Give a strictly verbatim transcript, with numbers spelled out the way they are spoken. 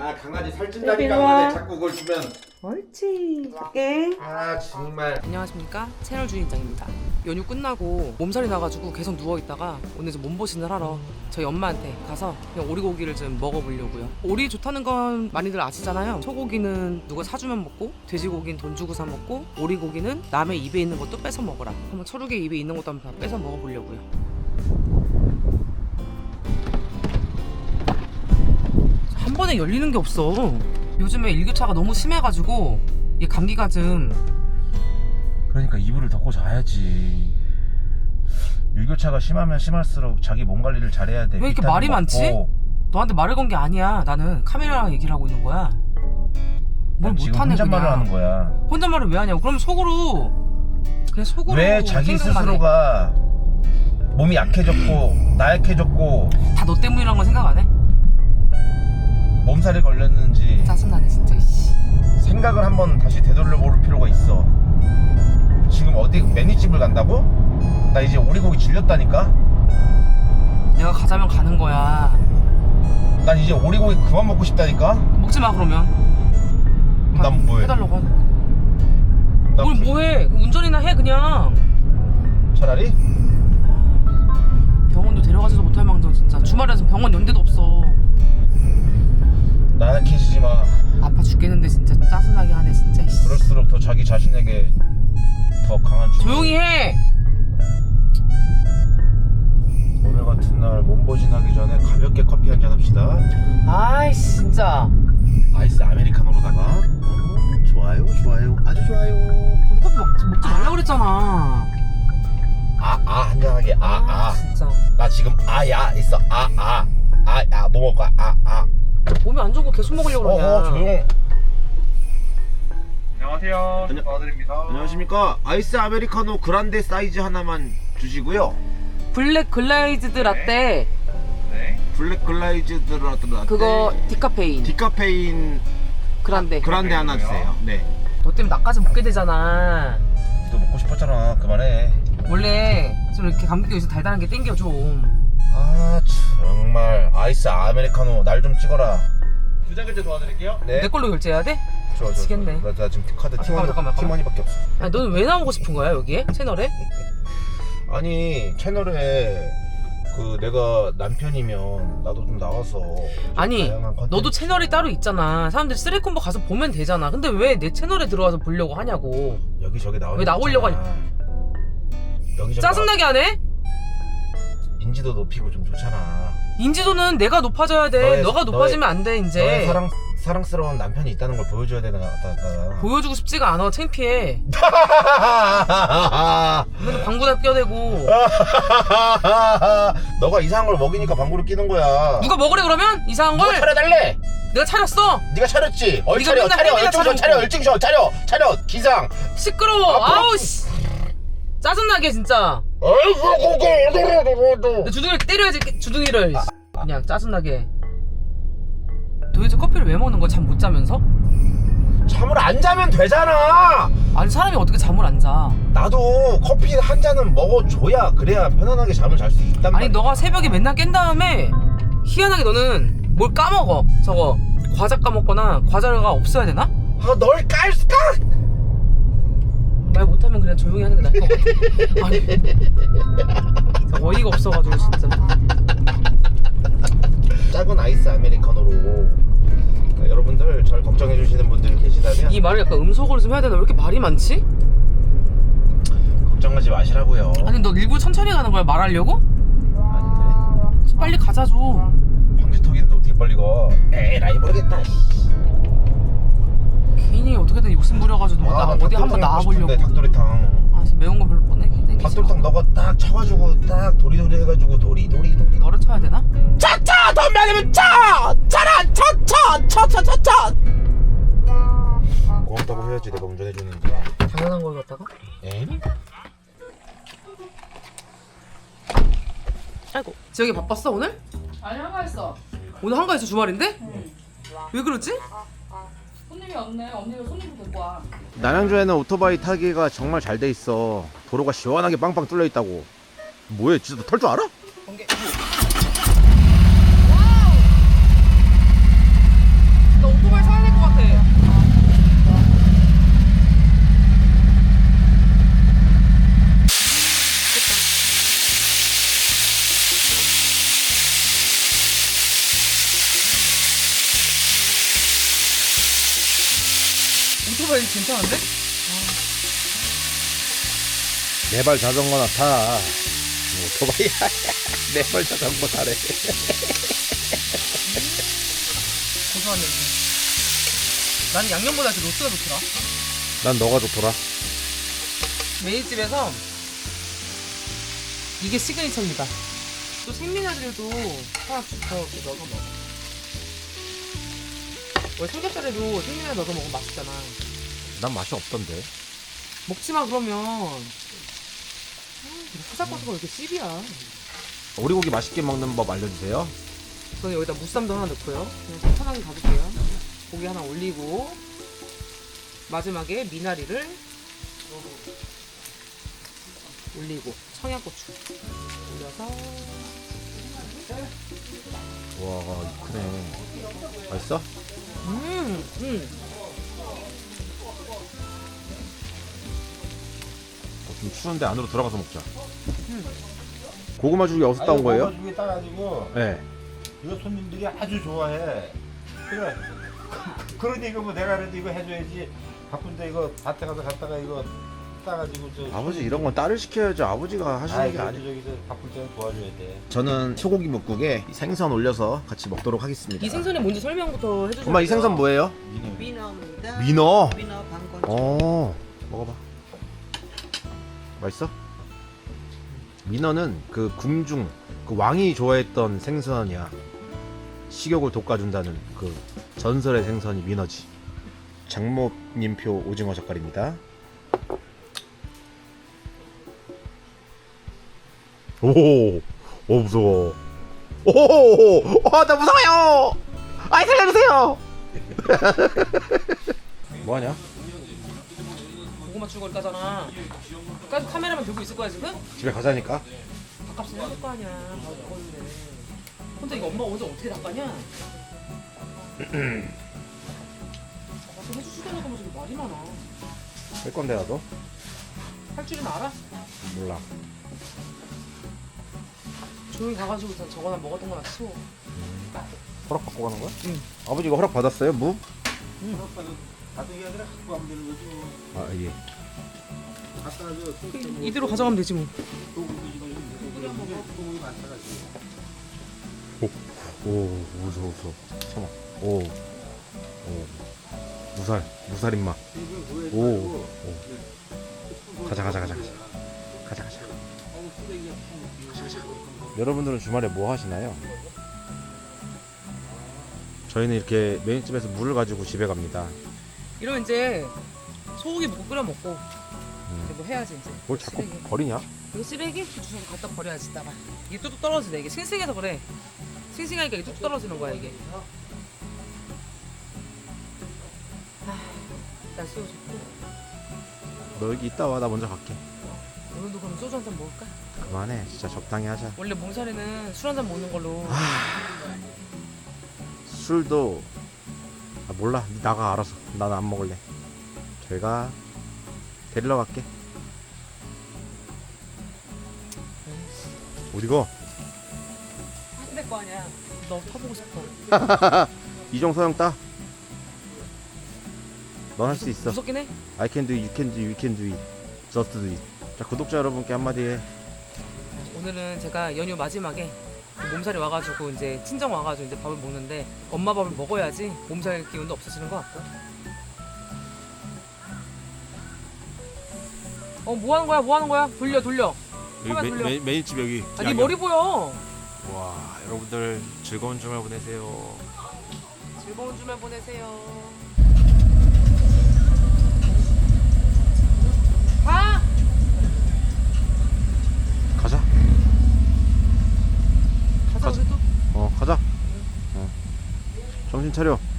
아 강아지 살찐다니까 하는데 자꾸 그걸 주면. 옳지. 갈게. 아 정말. 안녕하십니까, 채널 주인장입니다. 연휴 끝나고 몸살이 나가지고 계속 누워있다가 오늘 좀 몸보신을 하러 저희 엄마한테 가서 그냥 오리고기를 좀 먹어보려고요. 오리 좋다는 건 많이들 아시잖아요. 소고기는 누가 사주면 먹고, 돼지고기는 돈 주고 사 먹고, 오리고기는 남의 입에 있는 것도 뺏어 먹어라. 한번 철욱의 입에 있는 것도 한번 다 뺏어 먹어보려고요. 한 번에 열리는 게 없어. 요즘에 일교차가 너무 심해가지고 이 감기가 좀. 그러니까 이불을 덮고 자야지. 일교차가 심하면 심할수록 자기 몸 관리를 잘해야 돼. 왜 이렇게 말이 먹고. 많지? 너한테 말을 건 게 아니야. 나는 카메라랑 얘기를 하고 있는 거야. 뭘 지금 못하네 혼잣말을 그냥. 하는 거야. 혼잣말을 왜 하냐고. 그럼 속으로 그냥 속으로 왜 자기 생각만 해. 스스로가 몸이 약해졌고 나약해졌고 다 너 때문이란 건 생각 안 해? 몸살이 걸렸는지 짜증나네 진짜. 씨. 생각을 한번 다시 되돌려 볼 필요가 있어. 지금 어디 매니집을 간다고? 나 이제 오리고기 질렸다니까? 내가 가자면 가는 거야. 난 이제 오리고기 그만 먹고 싶다니까? 먹지 마 그러면. 난 뭐해? 해달라고 하는. 난 뭘 그- 뭐해? 운전이나 해 그냥. 차라리? 병원도 데려가지도 못할 망정 진짜. 주말에서 병원 연대도 없어. 나약해지지 마. 아파 죽겠는데 진짜 짜증나게 하네 진짜. 씨. 그럴수록 더 자기 자신에게 더 강한 주. 조용히 해. 오늘 같은 날 몸보신하기 전에 가볍게 커피 한잔 합시다. 아이씨 진짜. 아이스 아메리카노로다가. 어, 좋아요, 좋아요, 아주 좋아요. 커피 먹지, 먹지 말라고 그랬잖아. 아, 아 한잔하게. 아, 아. 진짜. 나 지금 아야 있어. 아, 아, 아, 야, 뭐 먹을 거야? 아, 아. 몸이 안 좋은 거 계속 먹으려고 어, 그러냐. 어, 조용. 안녕하세요. 안녕- 도와드립니다. 안녕하십니까? 아이스 아메리카노 그란데 사이즈 하나만 주시고요. 블랙 글라이즈드 라떼. 네. 블랙 글라이즈드 라떼. 그거 디카페인. 디카페인 그란데. 그란데 하나 주세요. 네. 너 때문에 나까지 먹게 되잖아. 또 먹고 싶었잖아. 그만해. 원래 좀 이렇게 감기가 있어 달달한 게 땡겨 좀. 아 정말 아이스 아메리카노 날 좀 찍어라. 부장 결제 도와드릴게요. 네. 내 걸로 결제해야 돼? 좋아, 좋아, 미치겠네. 좋아. 나, 나 지금 카드 아, 팀원, 잠깐만, 잠깐만, 팀원이밖에 없어. 아니 너는 왜 나오고 싶은 거야 여기에? 채널에? 아니 채널에 그 내가 남편이면 나도 좀 나와서 좀 아니 다양한 컨텐츠- 너도 채널이 따로 있잖아. 사람들이 쓰레콤보 가서 보면 되잖아. 근데 왜 내 채널에 들어와서 보려고 하냐고. 여기저기 나오는 왜 나오려고 거 있잖아. 여기저기 짜증나게 하네? 나... 인지도 높이고 좀 좋잖아. 인지도는 내가 높아져야 돼. 너의- 너가 높아지면 안 돼 너의 이제. 사랑, 사랑스러운 남편이 있다는 걸 보여줘야 되나 같다. 보여주고 싶지가 않아. 창피해. 맨날 방구나 껴대고. 너가 이상한 걸 먹이니까 방구를 끼는 거야. 누가 먹으래 그러면? 이상한 누가 걸? 차려달래? 내가 차렸어? 네가 차렸지? 얼 네가 차려 맨날 차려 헬기나 얼증 셔 차려놓고. 차려 얼증 셔 차려 차려 기상. 시끄러워. 아, 아우 씨. 짜증나게 진짜. 내 주둥이를 때려야지 주둥이를. 그냥 짜증나게. 도대체 커피를 왜 먹는 거야? 잠 못 자면서? 잠을 안 자면 되잖아. 아니 사람이 어떻게 잠을 안 자? 나도 커피 한 잔은 먹어줘야 그래야 편안하게 잠을 잘 수 있단 아니 말이야. 너가 새벽에 맨날 깬 다음에 희한하게 너는 뭘 까먹어. 저거 과자 까먹거나 과자가 없어야 되나? 아, 널 깔까? 말 못하면 그냥 조용히 하는 게 나을 것 같아. 아니 어이가 없어가지고 진짜. 작은 아이스 아메리카노로 그러니까 여러분들 절 걱정해 주시는 분들 계시다면 이 말을 약간 음속으로 좀 해야 되나? 왜 이렇게 말이 많지? 걱정하지 마시라고요. 아니 너 일부러 천천히 가는 거야 말하려고? 아닌데 빨리 가자 좀. 방지턱인데 어떻게 빨리 가? 에라이 모르겠다. 괜히 어떻게든 욕심 부려가지고 뭐 나 어디 한번 나와보려고. 닭도리탕. 아 진짜 매운 거 별로 못 내게. 닭도리탕 너가 딱 쳐가지고 딱 도리도리 해가지고 도리도리 도리. 너를 쳐야 되나? 차차 덤벼내면 차! 차라 차차 차차차차. 고맙다고 해야지 내가 운전해주는데. 당연한 걸 갖다가? 에? 아이고 지영이 바빴어 오늘? 아니 한가했어. 오늘 한가해서 주말인데? 응. 왜 그러지? 손님이 없네. 언니가 손님도 데리고 와. 남양주에는 오토바이 타기가 정말 잘 돼 있어. 도로가 시원하게 빵빵 뚫려 있다고. 뭐해? 진짜 너 털 줄 알아? 번개. 오토바이 괜찮은데? 네 발 자전거나 타. 오토바이야. 네 발 자전거 타래. 고소한 냄새. 나는 양념보다 그 로스가 좋더라. 난 너가 좋더라. 메이집에서 이게 시그니처입니다. 또 생미나들도 하나 더 이렇게 넣어서 먹어. 원래 삼겹살에도 생미나 넣어서 먹으면 맛있잖아. 난 맛이 없던데. 먹지마 그러면. 후삭고수가 왜 이렇게 씹이야. 오리고기 맛있게 먹는 법 알려주세요. 저는 여기다 무쌈도 하나 넣고요. 그냥 편하게 가볼게요. 고기 하나 올리고 마지막에 미나리를 올리고 청양고추 올려서 와, 크네. 맛있어? 음, 음. 어, 좀 추운데 안으로 들어가서 먹자. 고구마 죽이 어디서 따온 거예요? 고구마 죽이 따가지고 네. 이거 손님들이 아주 좋아해. 그래. 그러니 이거 뭐 내가 그래도 이거 해줘야지. 바쁜데 이거 밭에 가서 갔다가 이거 따가지고 저. 아버지 이런 건 딸을 시켜야죠. 아버지가 하시는 아이 게 그래도 아니에요. 저기 저 바쁠 때는 도와줘야 돼. 저는 소고기 묵국에 생선 올려서 같이 먹도록 하겠습니다. 이 생선이 뭔지 설명부터 해주세요. 엄마 이 생선 뭐예요? 니네. 민어입니다. 민어. 민어 방건. 어, 먹어봐. 맛있어? 민어는 그 궁중 그 왕이 좋아했던 생선이야. 식욕을 돋궈준다는 그 전설의 생선이 민어지. 장목님표 오징어 젓갈입니다. 오, 오 무서워. 오, 아, 나 무서워요. 아이 살려주세요. 뭐하냐? 고구마 죽을 까잖아. 까지 카메라만 들고 있을 거야 지금? 집에 가자니까. 밥값은 해줄 거 아니야. 밥 먹었는데. 혼자 이거 엄마가 어제 어떻게 닦았냐? 가서 해주지도 않고 저기 말이 많아. 할 건데 나도 할 줄은 알아? 몰라. 조용히 가가지고 저- 저거나 먹었던 거나 치워. 허락 받고 가는 거야? 응. 아버지가 허락 받았어요? 무? 가족이 아니라 갖고 가면 되는 거지 뭐. 아 예. 갖다 줘. 이대로 가져가면 되지 뭐. 소고기 많다가지고. 오 무서워 무서워. 참아. 오. 오. 무살 무살 임마. 오. 오. 가자 가자 가자 가자. 가자 가자. 가자 가자. 여러분들은 주말에 뭐 하시나요? 저희는 이렇게 메인집에서 물을 가지고 집에 갑니다. 이러면 이제 소고기 묵고 끓여 먹고 이제 뭐 해야지 이제. 뭘 자꾸 쓰레기. 버리냐? 이거 쓰레기 주워서 갖다 버려야지 이따가. 이게 뚝뚝 떨어지네. 이게 싱싱해서 그래. 싱싱하니까 이게 뚝뚝 떨어지는 거야 이게. 아, 날씨도 좋고. 너 여기 있다 와. 나 먼저 갈게. 오늘도 그럼 소주 한 잔 먹을까? 그만해. 진짜 적당히 하자. 원래 몸살이는 술 한 잔 먹는 걸로. 술도 아 몰라. 니 나가 알아서. 나는 안 먹을래. 제가 데리러 갈게. 어디가? 해야 될 거 아니야. 너 타보고 싶어. 이정서영 따. 넌 할 수 있어. 무섭긴 해. I can do it, you can do it, you can do it. Just do it. 자, 구독자 여러분께 한마디 해. 오늘은 제가 연휴 마지막에 몸살이 와가지고 이제 친정 와가지고 이제 밥을 먹는데 엄마 밥을 먹어야지 몸살 기운도 없어지는 것 같고. 어, 뭐 하는 거야? 뭐 하는 거야? 돌려, 돌려. 카메라 돌려. 메인집 여기. 아, 네 머리 보여. 와, 여러분들 즐거운 주말 보내세요. 즐거운 주말 보내세요. 가! 가자. 가자, 가자. 우리 또. 어, 가자. 어. 정신 차려.